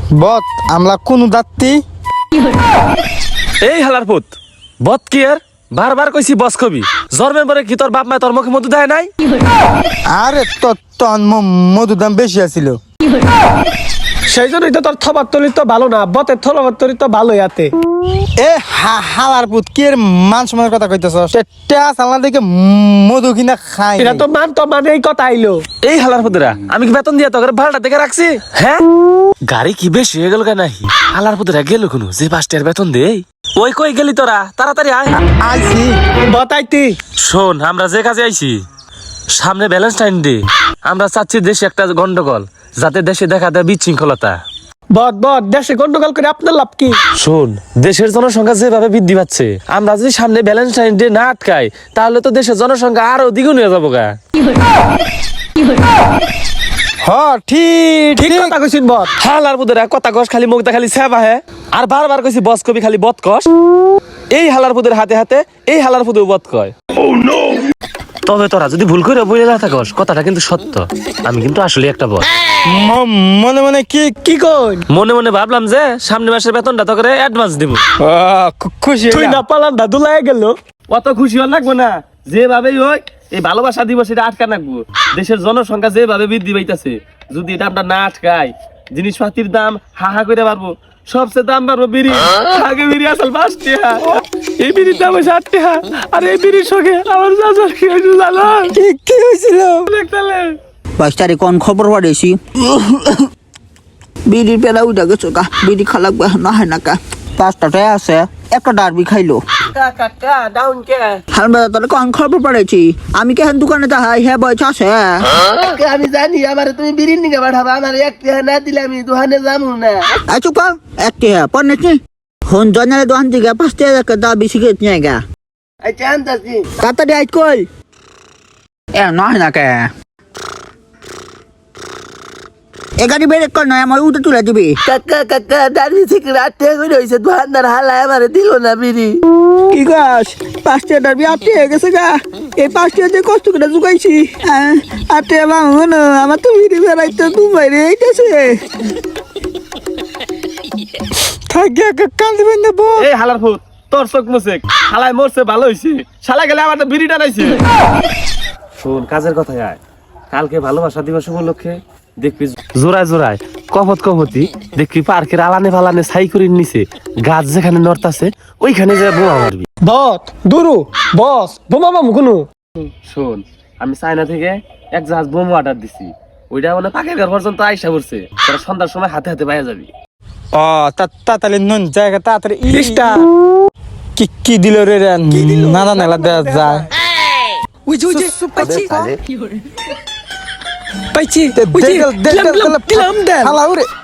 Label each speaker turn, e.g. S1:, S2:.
S1: বত আমলা কোন দাত্তি
S2: এই হালার পুত বত কি আর বারবার কইছি বস কবি জন্মের পরে কি তোর বাপ মা তোর মুখে মধু দেয় নাই?
S1: আরে তন মধুর দাম বেশি আছিল।
S3: সেই জন্যই তো তোর থবার তলি তো ভালো না, বতের থবার তলি তো ভালো ইয়াতে।
S1: এ হালার পুত কি এর মান সম্মানের কথা কইতেছ? টেয়া চালনা দেখে মধু কিনা খাই
S3: এটা তো মানে এই কথা আইলো।
S2: এই হালার পুতরা আমি কি বেতন দিয়া তোকে ভাড়াটা দেখে রাখছি? হ্যাঁ গাড়ি কি বেশি হয়ে গেল কেন? হালার পুতরা গেল কোনো যে 5 টাকার বেতন দেই। ওই কই গেলি তোরা? তাড়াতাড়ি আয়।
S1: আইছি
S3: বতাইতি
S2: শোন আমরা যে কাজে আইছি সামনে ভ্যালেন্টাইন ডে, আমরা চাচ্ছি দেশে একটা গন্ডগোল যাতে দেশে দেখা দেয় বিশৃঙ্খলতা।
S3: বত দেশে গন্ডগোল করে আপনার লাভ কি?
S2: শোন দেশের জনসংখ্যা যেভাবে বৃদ্ধি পাচ্ছে, আমরা যদি সামনে ভ্যালেন্টাইন ডে না আটকাই তাহলে তো দেশের জনসংখ্যা আরো দ্বিগুণ হয়ে যাবো গা।
S1: হ ঠিক
S3: কথা কইছিস বত।
S2: হালার পুতরা কথা কস খালি মুখটা খালি সেবা হে আর বারবার কইছি বস কবি খালি বত কস। এই হালার পুদের হাতে হাতে এই হালার পুদের বত কয়। তবে তোরা যদি ভুল করে বলে না থাকস কথাটা কিন্তু সত্য, আমি কিন্তু আসলে একটা বস।
S1: মনে মনে কি কই
S2: মনে মনে ভাবলাম যে সামনে মাসের বেতনটা তো করে অ্যাডভান্স দিব।
S1: খুশি
S3: তুই না পালান দাদু লাগে গেল।
S2: অত খুশি হল লাগবো না, যেভাবেই হোক এই ভালোবাসা দিবস এটা আটকা রাখবো। দেশের জনসংখ্যা যেভাবে বৃদ্ধি পাইতেছে যদি এটা আমরা না আটকাই জিনিসপাতির দাম হাহা করে পারবো। সবচেয়ে দাম বাড়বো বিড়ি। আগে বিড়ি আসল 5 টাকা, এই বিড়ির দাম 7 টাকা। আর এই বিড়ির সঙ্গে আমার চাচার কি হয়েছিল জানো?
S1: কি হয়েছিল?
S2: দেখতালে
S4: 5 তারিখ কোন খবর পাড়েছি বিড়ির পেলা উঠা গেছো কা বিড়ি খালাক না হয় না কা 5টায় আছে একটা ডারবি খাইলো
S3: কাকা ডাউন কে
S4: হালবা তোর কোন খবর পাড়েছি আমি কেন দোকানে তা হাই হ্যাঁ বয়স আছে
S5: আমি জানি আমার তুমি বিরিন নিকে পাঠাবা, আমার এক টাকা না দিলে আমি দোকানে যাবো না।
S4: চুপ কর একটা পড়নে কি হন জনের দোকান থেকে 5 টাকা দা বেশি গেট নিয়ে গা
S5: আচ্ছা আনতাছি।
S4: তাড়াতাড়ি আইট কই এ না হয় না কে এ গাড়ি বের কর না আমার উঠে তুলে দিবি
S5: কাকা দাঁড়িয়ে থেকে রাত টাকা করে হয়েছে, দোকানদার হালায় আমার দিল না বিড়ি।
S4: কি গাছ 5 টাকা ডারবি 8 টাকা গেছে গা এই 5 টাকা দিয়ে কষ্ট করে জুগাইছি 8 টাকা বাঙন আমার তো বিড়ি বেড়াইতে দুবাই রে এইটাছে
S1: থাকি কান্দি বেন্দে বল।
S2: এই হালার ফুট তোর চোখ মুছে হালাই মরছে ভালো হইছে, শালা গেলে আমার বিড়ি টানাইছে। শোন কাজের কথা আয়, কালকে ভালোবাসা দিবস উপলক্ষে দেখবি জোড়ায় জোড়ায় কপতি দেখবি পার্কের আলানে ফালানে ছাই করে নিছে গাছ যেখানে নর্থ আছে ওইখানে যে বোমা মারবি।
S3: বত দুরু বস বোমা মামু কোনো।
S2: শোন আমি চায়না থেকে এক জাহাজ বোমা অর্ডার দিছি, ওইটা মানে পাকের ঘর পর্যন্ত আইসা পড়ছে, তোরা সন্ধ্যার সময় হাতে হাতে পাইয়া যাবি।
S1: ও তাড়াতাড়ি নন জায়গা তাড়াতাড়ি
S3: ইস্টা
S1: কি দিল রে নানা নালা দেওয়া যায়।
S3: পাইছি
S1: দিলাম দেন